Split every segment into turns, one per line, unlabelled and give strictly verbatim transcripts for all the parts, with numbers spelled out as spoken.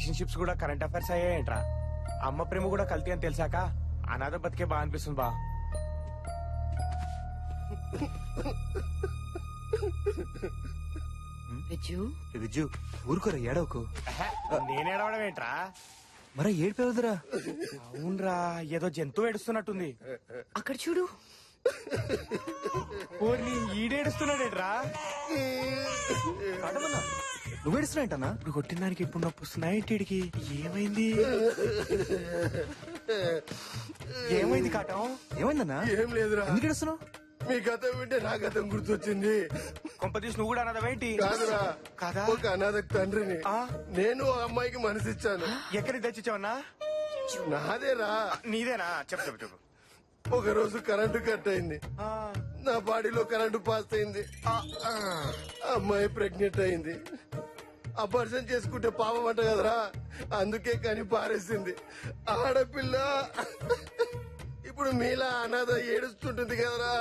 Relationships కూడా current affairs అయ్యాయంట్రా. అమ్మ ప్రేమ కూడా కల్తీ అని తెలిసాక అనాథ బతికే బాగా అనిపిస్తుంది బా.
విజ్జు
విజ్జు ఊరుకోరా ఏడవకు.
నేనేడవడం ఏంట్రా?
మరా ఏడిపోవద్దురా.
అవునరా, ఏదో జంతువు ఏడుస్తున్నట్టుంది.
అక్కడ చూడు.
ఓర్ని ఈడేడుస్తున్నాడేట్రా?
నువ్వు ఏడుస్తున్నాయంటనా?
ఇప్పుడు కొట్టిన దానికి ఇప్పుడు నొప్పి వస్తున్నాయి. ఇంటికి ఏమైంది? ఏమైంది కాటం?
ఏమైందన్నా?
ఏం లేదురా.
ఎందుకు ఏడుస్తున్నావు?
మీ గతం వింటే నా గతం గుర్తొచ్చింది.
కొంపతీసి నువ్వు కూడా అన్నదేంటి?
కాదురా,
కాదా?
ఒక అనాథకు తండ్రిని.
ఆ?
నేను ఆ అమ్మాయికి మనసిచ్చాను.
ఎక్కడికి తెచ్చిచ్చావన్నా?
నాదేరా.
నీదేనా? చెప్పు చెప్పు చెప్పు.
ఒక రోజు కరెంటు కట్ అయింది.
ఆ,
నా బాడీలో కరెంటు పాస్ అయింది.
ఆ, ఆ.
అమ్మాయి ప్రెగ్నెంట్ అయింది. అపర్షన్ చేసుకుంటే పాపం అంట కదరా, అందుకే కని పారేసింది. ఆడపిల్ల ఇప్పుడు మీలా అనాథ ఏడుస్తుంటుంది కదరా.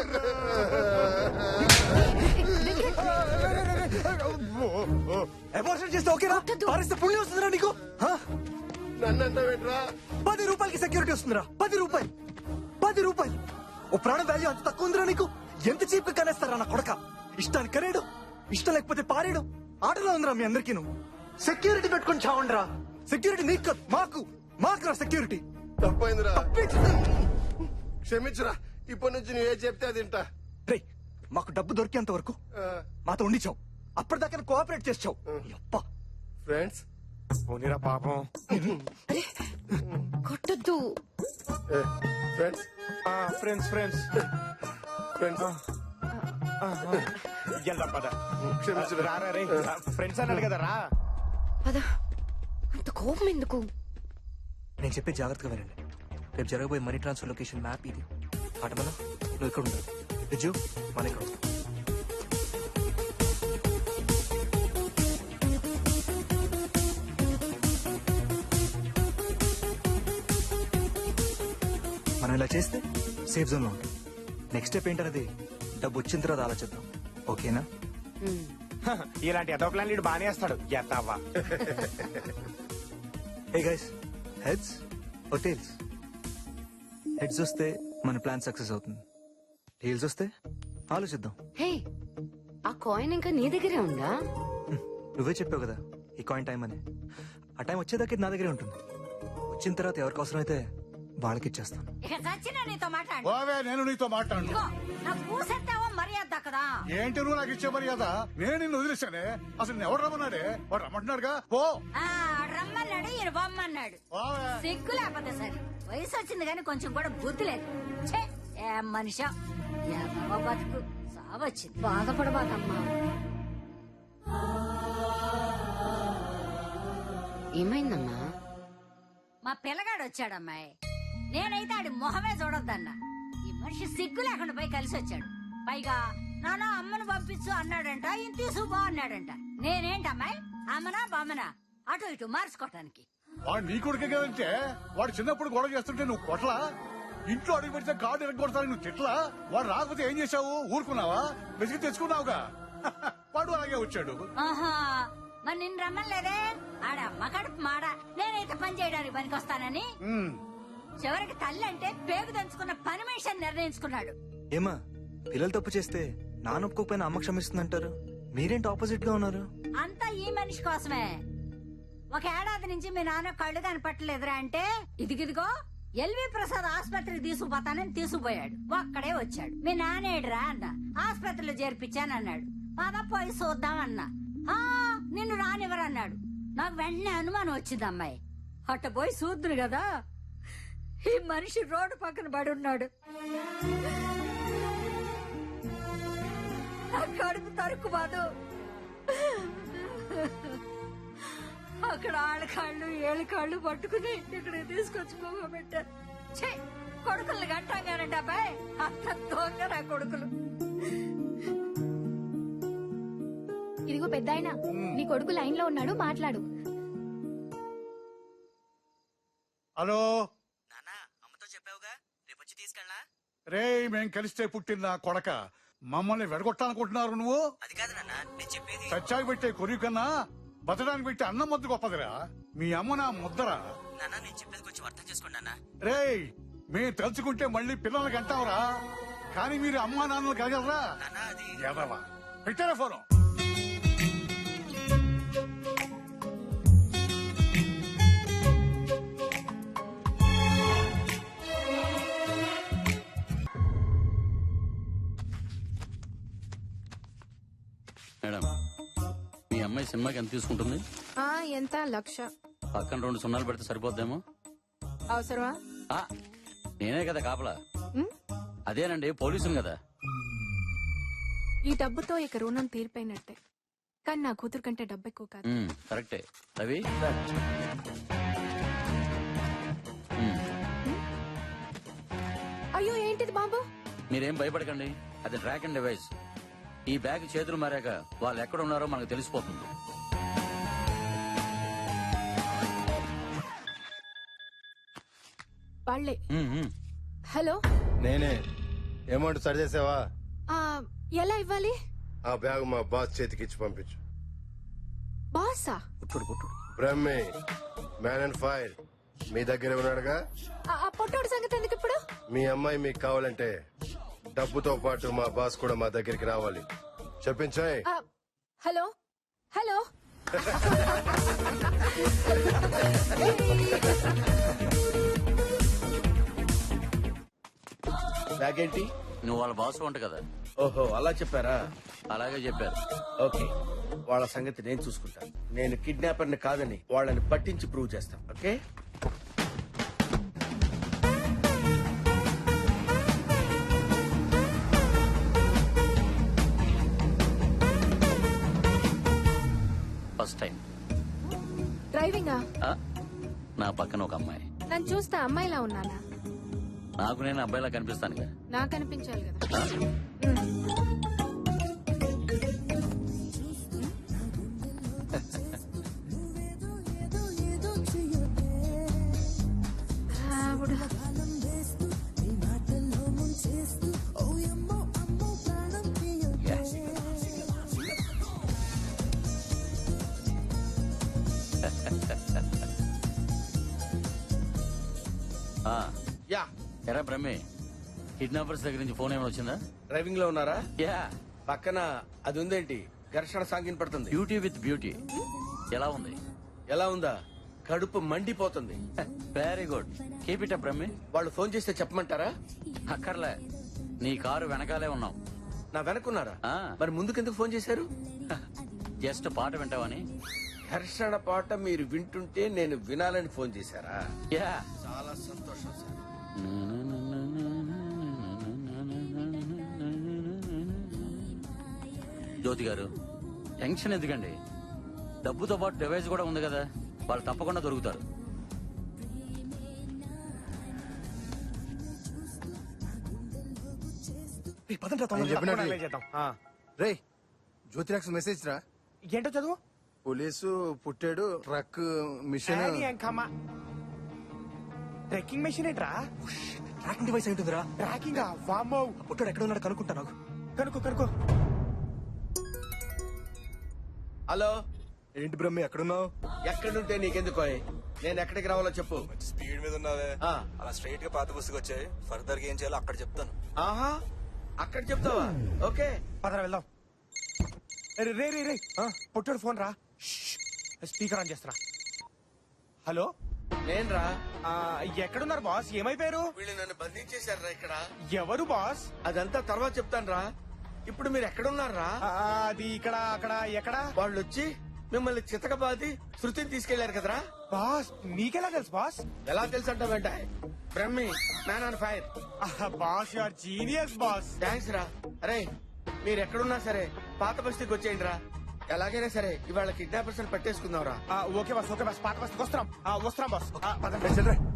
అబార్షన్ చేస్తే ఓకేరా? పారేస్తే పుణ్యం వస్తుందిరా నీకు? హా?
నన్ను అంటావేంట్రా?
పది రూపాయలకి సెక్యూరిటీ వస్తుందిరా. పది రూపాయలు పది రూపాయలు ఓ ప్రాణ వాల్యూ అంత తక్కువ ఉందిరా నీకు? ఎంత చీప్ గా కనేస్తారా నా కొడక? ఇష్టానికి కనేడు, ఇష్టం లేకపోతే పారేడు. ఆటలో ఉందిరా మీ అందరికీ. నువ్వు సెక్యూరిటీ పెట్టుకుని చావండిరా. సెక్యూరిటీ నీకు కాదు, మాకు మాకురా సెక్యూరిటీ.
తప్పైందిరా, క్షమించురా. ఇప్పటి నుంచి నువ్వు ఏ చెప్తే అది వింటా.
రేయ్, మాకు డబ్బు దొరికేంత వరకు మాతో ఉండిచావు. అప్పటిదాకా కోఆపరేట్ చేసావు.
ఫ్రెండ్స్
పోనీరా పాపం.
కొట్టద్దు.
ఫ్రెండ్స్
ఫ్రెండ్స్ ఫ్రెండ్స్
ఫ్రెండ్స్
వెళ్దాం పద.
క్షమించురా.
రారా రే, ఫ్రెండ్స్ అన్నాడు కదా రా.
పద. అంత కోపం ఎందుకు?
నేను చెప్పే జాగ్రత్తగా వినండి. రేపు జరగబోయే మనీ ట్రాన్స్ఫర్ లొకేషన్ మ్యాప్ ఇది. ఆటమన నువ్వు ఇక్కడ ఉండాలి. విజు మన ఇక్కడ ఉంటాం. మనం ఇలా చేస్తే సేఫ్ జోన్ లో ఉంటాం. నెక్స్ట్ స్టెప్ ఏంటనేది డబ్బు వచ్చిన తర్వాత ఆలోచిద్దాం. ఓకేనా?
ఇలాంటి ఎదో ప్లాన్ లీడు బానే వేస్తాడు. ఎత్తావా?
Hey guys, heads or tails? Heads వస్తే మన ప్లాన్ సక్సెస్ అవుతుంది. టైల్స్ వస్తే ఆలోచిద్దాం.
హే, ఆ కాయిన్ ఇంకా నీ దగ్గరే ఉందా?
నువ్వే చెప్పావు కదా ఈ కాయిన్ టైం అని. ఆ టైం వచ్చేదాకా ఇది నా దగ్గరే ఉంటుంది. వచ్చిన తర్వాత ఎవరికి అవసరమైతే వాళ్ళకి ఇచ్చేస్తాను.
ఇక చచ్చినా నీతో మాట్లాడు.
బావే, నేను నీతో మాట్లాడు.
ఇదిగో, నా పూసెత్తావో మర్యాద కదా.
ఏంటి నువ్వు నాకు ఇచ్చే మర్యాద? నేను నిన్ను వదిలేశానే. అసలు నేను ఎవరు రమ్మన్నాడే? వాడు రమ్మంటున్నాడుగా. పో.
ఆ రమ్మన్నాడు, ఈయన బొమ్మన్నాడు.
బావే,
సిగ్గు లేకపోతే సరే. వయసు వచ్చింది కానీ కొంచెం కూడా బుద్ధి లేదు. ఛే, ఏం మనిషా, ఏమో బతుకు సావచ్చింది.
బాధపడబాకమ్మా. ఏమైందమ్మా?
మా పిల్లగాడు వచ్చాడమ్మాయి. నేనైతే ఆడి మొహమే చూడొద్దన్నా. ఈ మనిషి సిగ్గు లేకుండా పోయి కలిసి వచ్చాడు. పైగా నాన్న అమ్మను పంపించు అన్నాడంట, ఈయన తీసుకుపో అన్నాడంట. నేనేంటమ్మాయి, అమ్మనా బామ్మనా అటు ఇటు మార్చుకోవటానికి?
వాడు నీ కొడుకే కదంటే వాడు చిన్నప్పుడు గొడవ చేస్తుంటే నువ్వు కొట్లా? ఇంట్లో అడుగు పెడితే కార్డు ఎరగొడతాను నువ్వు తిట్లా? వాడు రాకపోతే ఏం చేశావు? ఊరుకున్నావా? వెతికి తెచ్చుకున్నావుగా. వాడు అలాగే వచ్చాడు.
ఆహా, మరి నిన్ను రమ్మలేదే? ఆడమ్మ కడుపు మాడ. నేనైతే పని చేయడానికి పనికొస్తానని
ఉమ్.
చివరికి తల్లి అంటే పేగు దంచుకున్న పని మనిషి నిర్ణయించుకున్నాడు.
ఏమా, పిల్లలు తప్పు చేస్తే నాన్న ఒప్పుకోకపోయినా అమ్మ క్షమిస్తుందంటారు. మీరేంటి ఆపోజిట్ గా ఉన్నారు?
అంతా ఈ మనిషి కోసమే. ఒక ఏడాది నుంచి మీ నాన్న కళ్ళు కనపట్టలేదురా అంటే ఇదిగిదిగో ఎల్వి ప్రసాద్ ఆసుపత్రికి తీసుకుపోతానని తీసుకుపోయాడు. ఒక్కడే వచ్చాడు. మీ నానేడురా అన్న. ఆసుపత్రిలో చేర్పించానన్నాడు. పద పోయి చూద్దామన్నా. ఆ నిన్ను రానివ్వరన్నాడు. నాకు వెంటనే అనుమానం వచ్చింది అమ్మాయి. అట్ట పోయి చూద్దురు కదా, ఈ మనిషి రోడ్డు పక్కన పడి ఉన్నాడు. నా కడుపు తరుకు బాదు. అక్కడ ఆళ్ళ కాళ్ళు ఏళ్ళ కాళ్ళు పట్టుకుని ఇక్కడికి తీసుకొచ్చి పోగ పెట్టారు. ఛీ, కొడుకులు గంటాగానండి అబ్బాయి. అంత దొంగ నా కొడుకులు.
ఇదిగో పెద్దాయన, నీ కొడుకు లైన్ లో ఉన్నాడు, మాట్లాడు.
హలో
నాన్న, అమ్మతో చెప్పావుగా రేపు వచ్చి తీసుకెళ్ళా?
రే, మేం కలిస్తే పుట్టిన నా కొడక, మమ్మల్ని వెడగొట్టాలనుకుంటున్నారు నువ్వు?
అది కాదు నాన్న, నేను చెప్పేది.
చచ్చాకి పెట్టే కొరియు కన్నా బతడానికి పెట్టి అన్నం ముద్ద గొప్పదిరా. మీ అమ్మ నా ముద్దరా.
నాన్న నేను చెప్పేది కొంచెం అర్థం చేసుకోండి నాన్న.
రేయ్ మేము తలుచుకుంటే మళ్ళీ పిల్లలకి అంటావురా, కానీ మీరు అమ్మా నాన్నలు కలగలరా?
నాన్న అది
ఎదవా పెట్టారా ఫోను?
మేడం, మీ అమ్మాయి సినిమాకి ఎంత తీసుకుంటుంది?
ఆ ఎంత లక్ష.
పక్కన రెండు సున్నాలు పెడితే సరిపోద్దేమో.
అవసరమా?
ఆ, నేనే కదా కాపలా.
ఉమ్,
అదేనండి, పోలీసుని కదా.
ఈ డబ్బుతో ఇక రుణం తీరిపోయినట్టే. కానీ నా కూతురు కంటే డబ్బు ఎక్కువ కాదు.
ఉమ్, కరెక్టే. రవి ఉమ్,
అయ్యో ఏంటిది బాబు?
మీరేం భయపడకండి, అది ట్రాక్ అండ్ డివైస్. ఈ బ్యాగ్ చేతులు మారాక వాళ్ళు ఎక్కడ ఉన్నారో మనకు తెలిసిపోతుంది.
వాళ్ళే.
ఉమ్, ఉమ్.
హలో,
నేనే. అమౌంట్ సరి చేసావా?
ఆ, ఎలా ఇవ్వాలి?
ఆ బ్యాగ్ మా బాస్ చేతికి ఇచ్చి పంపించు.
బాసా?
కుట్టుడు కుట్టుడు.
బ్రహ్మే మ్యాన్ అండ్ ఫైర్ మీ దగ్గర ఉన్నాడుగా.
ఆ ఆ పొట్టోడు సంగతి ఎందుకు ఇప్పుడు?
మీ అమ్మాయి మీకు కావాలంటే డబ్బుతో పాటు మా బాస్ కూడా మా దగ్గరికి రావాలి. చెప్పించాయి.
ఆ, హలో హలో
బ్యాగ్ ఏంటి?
నువ్వు వాళ్ళ బాస్ వంట కదా.
ఓహో అలా చెప్పారా?
అలాగే చెప్పారు.
ఓకే, వాళ్ళ సంగతి నేను చూసుకుంటాను. నేను కిడ్నాపర్ ని కాదని వాళ్ళని పట్టించి ప్రూవ్ చేస్తాను. ఓకే.
ఫస్ట్ టైం
డ్రైవింగా?
ఆ, నా పక్కన ఒక అమ్మాయి.
నన్ను చూస్తే అమ్మాయిలా ఉన్నానా?
నాకు నేను అబ్బాయిలా కనిపిస్తానుగా.
నాకు అనిపించాలి కదా.
ఆ?
ఆవిడ.
ఆ,
యా,
ఎరా బ్రహ్మే, కిడ్నాపర్స్ దగ్గర నుంచి ఫోన్ ఏమైనా వచ్చిందా?
డ్రైవింగ్ లో ఉన్నారా?
యా,
పక్కన అది ఉందేంటి? ఘర్షణ సాగిన పడుతుంది.
Beauty with beauty. ఎలా ఉంది?
ఎలా ఉందా? కడుపు మండిపోతుంది.
Very good, keep it up బ్రహ్మే.
వాళ్ళు ఫోన్ చేస్తే చెప్పమంటారా?
అక్కర్లే, నీ కారు వెనకాలే ఉన్నాం.
నా వెనకున్నారా?
ఆ.
మరి ముందుకెందుకు ఫోన్ చేశారు?
జస్ట్ పాట వింటావని.
ఘర్షణ పాట మీరు వింటుంటే నేను వినాలని ఫోన్ చేశారా?
యా,
చాలా సంతోషం సార్.
జ్యోతి గారు, టెన్షన్ ఎందుకండి? డబ్బుతో పాటు డివైస్ కూడా ఉంది కదా, వాళ్ళు తప్పకుండా దొరుకుతారు.
రేయ్, పదండ్రా
నేను
తొందరగా.
చెప్పినట్టు
అలాగే చేద్దాం. ఆ,
రే జ్యోతిరాక్స్ మెసేజ్ రా.
ఏంటో చదువు.
పోలీసు పుట్టాడు, ట్రక్ మిషన్.
ఏది ఎంకమ్మ? ట్రెక్కింగ్ మెషిన్ ఏంట్రా?
ట్రాకింగ్ డివైస్ ఏంటుందిరా?
ట్రాకింగ్ వామ్మో.
పొట్టోడు ఎక్కడ ఉన్నాడు కనుక్కుంటా నాకు.
కనుకో కనుకో.
హలో,
ఏంటి బ్రహ్మి ఎక్కడున్నావు?
ఎక్కడుంటే నీకెందుకో? నేను ఎక్కడికి రావాలో చెప్పు.
స్పీడ్ మీద ఉన్నావే.
ఆ.
అలా స్ట్రైట్ గా పాత బస్సుకి వచ్చాయి. ఫర్దర్ గా ఏం చేయాలో అక్కడ చెప్తాను.
ఆహా, అక్కడ చెప్తావా? ఓకే.
పదరా వెళ్దాం. రే రే రే రే ఆ, పొట్టోడు ఫోన్ రా. స్పీకర్ ఆన్ చేస్తారా. హలో,
నేనురా.
ఆ, ఎక్కడున్నారు బాస్? ఏమైపోయారు?
వీళ్ళు నన్ను బంధించేశారా ఇక్కడ?
ఎవరు బాస్?
అదంతా తర్వాత చెప్తాను రా. ఇప్పుడు మీరు ఎక్కడున్నారా?
ఆ, అది ఇక్కడ అక్కడ ఎక్కడ?
వాళ్ళు వచ్చి మిమ్మల్ని చితకబాది శృతిని తీసుకెళ్లారు కదరా.
బాస్ మీకెలా తెలుసు బాస్?
ఎలా తెలుసు అంటావేంట? Brahmi man on fire.
ఆహా, boss you are genius boss.
Thanks రా. అరే మీరు ఎక్కడున్నా సరే పాత బస్తీకి వచ్చేయండి రా. ఎలాగైనా సరే ఇవాళ కిడ్నాపర్స్ పట్టేసుకుందాం రా.
ఆ, ఓకే బాస్, ఓకే బాస్, పాత బస్కి వస్తున్నాం. ఆ, వస్తున్నాం బాస్. ఆ, పదండి.
రేయ్, చెల్లిరా.